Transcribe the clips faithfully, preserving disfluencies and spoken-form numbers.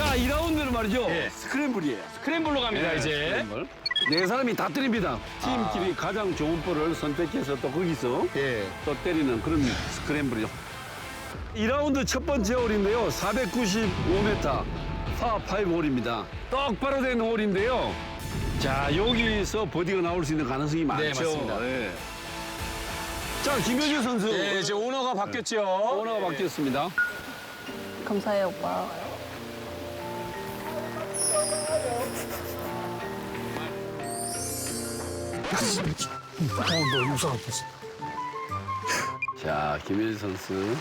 자, 이 라운드는 말이죠. 예. 스크램블이에요. 스크램블로 갑니다, 예, 이제. 스크램블. 네 사람이 다 때립니다. 팀끼리 가장 좋은 볼을 선택해서 또 거기서 예. 또 때리는 그런 스크램블이죠. 이 라운드 첫 번째 홀인데요. 사백구십오 미터 파 오 홀입니다. 똑바로 된 홀인데요. 자, 여기서 버디가 나올 수 있는 가능성이 많죠. 네, 맞습니다. 예. 자, 김효주 선수. 예, 이제 오너가 바뀌었죠. 오너가 바뀌었습니다. 감사해요, 오빠. 너 유사 같았어. 자, 김효주 선수.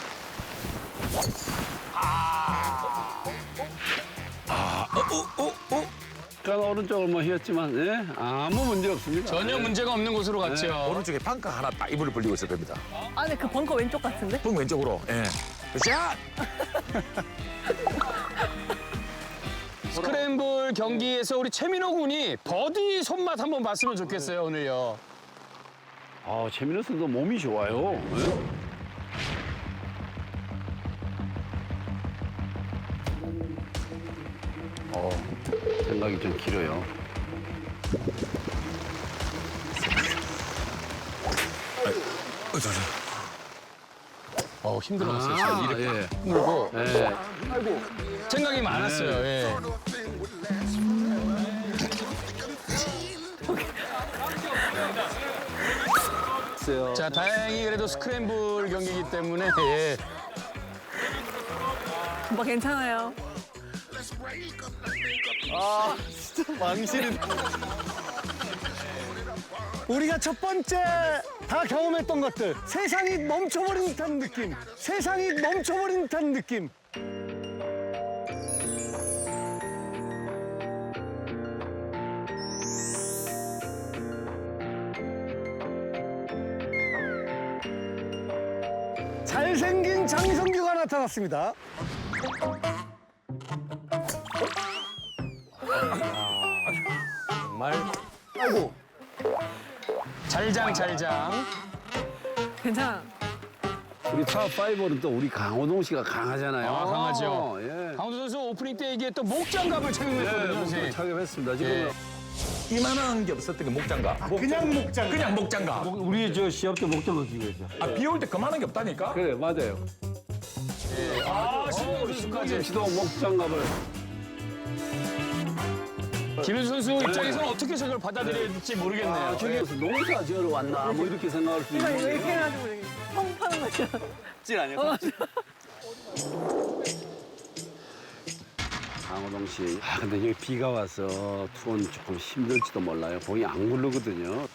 아, 어, 어, 어, 어. 약간 오른쪽을 뭐 휘었지만, 예? 아무 문제 없습니다. 전혀 예. 문제가 없는 곳으로 갔죠. 오른쪽에 벙커 하나 딱 이불을 벌리고 있을 겁니다. 아, 근데 그 벙커 왼쪽 같은데? 붕 왼쪽으로. 예. 샷! 스크램블 경기에서 우리 최민호 군이 버디 손맛 한번 봤으면 좋겠어요, 오늘요. 아, 최민호 선수 몸이 좋아요. 예? 어, 생각이 좀 길어요. 어, 저, 저. 어, 힘들었어요. 아, 이렇게 예. 물고. 예. 생각이 많았어요, 예. 글쎄요. 자, 다행히 그래도 스크램블 경기이기 때문에, 예. 오빠 괜찮아요. 우리가 첫 번째 다 경험했던 것들, 세상이 멈춰버린 듯한 느낌, 세상이 멈춰버린 듯한 느낌. 잘생긴 장성규가 나타났습니다. 정말. 아이고. 잘장, 잘장. 괜찮아. 우리 파5는 또 우리 강호동 씨가 강하잖아요. 아, 강하죠. 예. 강호도 선수 오프닝 때 이게 또 목장갑을 착용했거든요, 예, 선생님. 착용했습니다. 지금 예. 이만한 게 없었던 게 목장갑. 그냥 목장. 그냥 목장갑. 우리 저 시합 때 목장을 끼고 있죠. 아, 비 올 때 그만한 게 없다니까? 그래, 맞아요. 아, 신동 선수까지. 시도 목장갑을. 김현수 선수 입장에서는 어떻게 저걸 받아들여야 될지 모르겠네요. 아, 저기에서 농사 지으러 왔나? 뭐 이렇게 생각할 수 이거 있는. 이렇게 해가지고 이렇게 펑 파는 거죠. 찔 아니야? 강호동 씨. 아, 근데 여기 비가 와서 투혼 조금 힘들지도 몰라요. 공이 안 굴르거든요.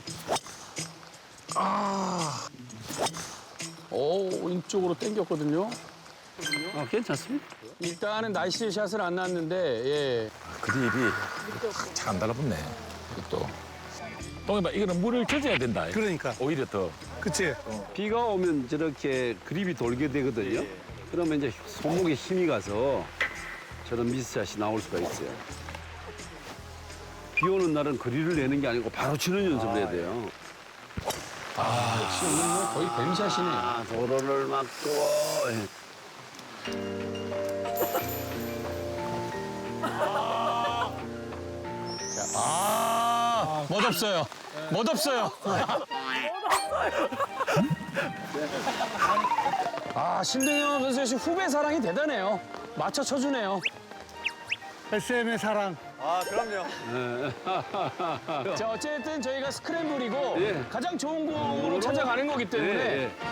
오, 왼쪽으로 당겼거든요. 아, 괜찮습니다. 일단은 나이스 샷을 안 났는데, 예. 그립이 잘 안 달라붙네. 이것도. 동해봐, 이거는 물을 젖어야 된다. 그러니까. 오히려 더. 그치? 비가 오면 저렇게 그립이 돌게 되거든요. 그러면 이제 손목에 힘이 가서 저런 미스샷이 나올 수가 있어요. 비 오는 날은 거리를 내는 게 아니고 바로 치는 연습을 해야 돼요. 역시 오늘 뭐 거의 뱀샷이네. 아, 도로를 막고. 예. 아, 멋없어요. 멋없어요. 아, 신동엽 선수의 지금 후배 사랑이 대단해요. 맞춰 쳐주네요. 에스엠의 사랑. 아, 그럼요. 자, 어쨌든 저희가 스크램블이고 예. 가장 좋은 공으로 찾아가는 거기 때문에 예, 예.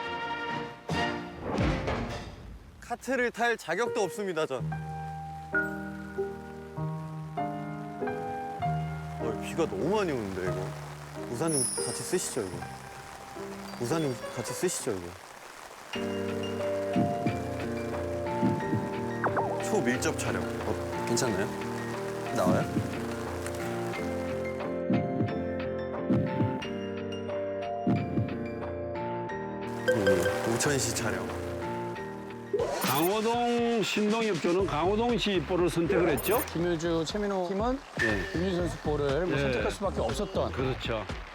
카트를 탈 자격도 없습니다, 전. 어, 비가 너무 많이 오는데, 이거. 우산 좀 같이 쓰시죠, 이거. 우산 좀 같이 쓰시죠, 이거. 초밀접 촬영. 어, 괜찮나요? 나와요? 음, 우천시 촬영. 강호동, 신동엽 조는 강호동 씨 볼을 선택을 했죠? 김효주, 최민호 팀은 예. 김효주 선수 볼을 뭐 예. 선택할 수밖에 없었던 그렇죠.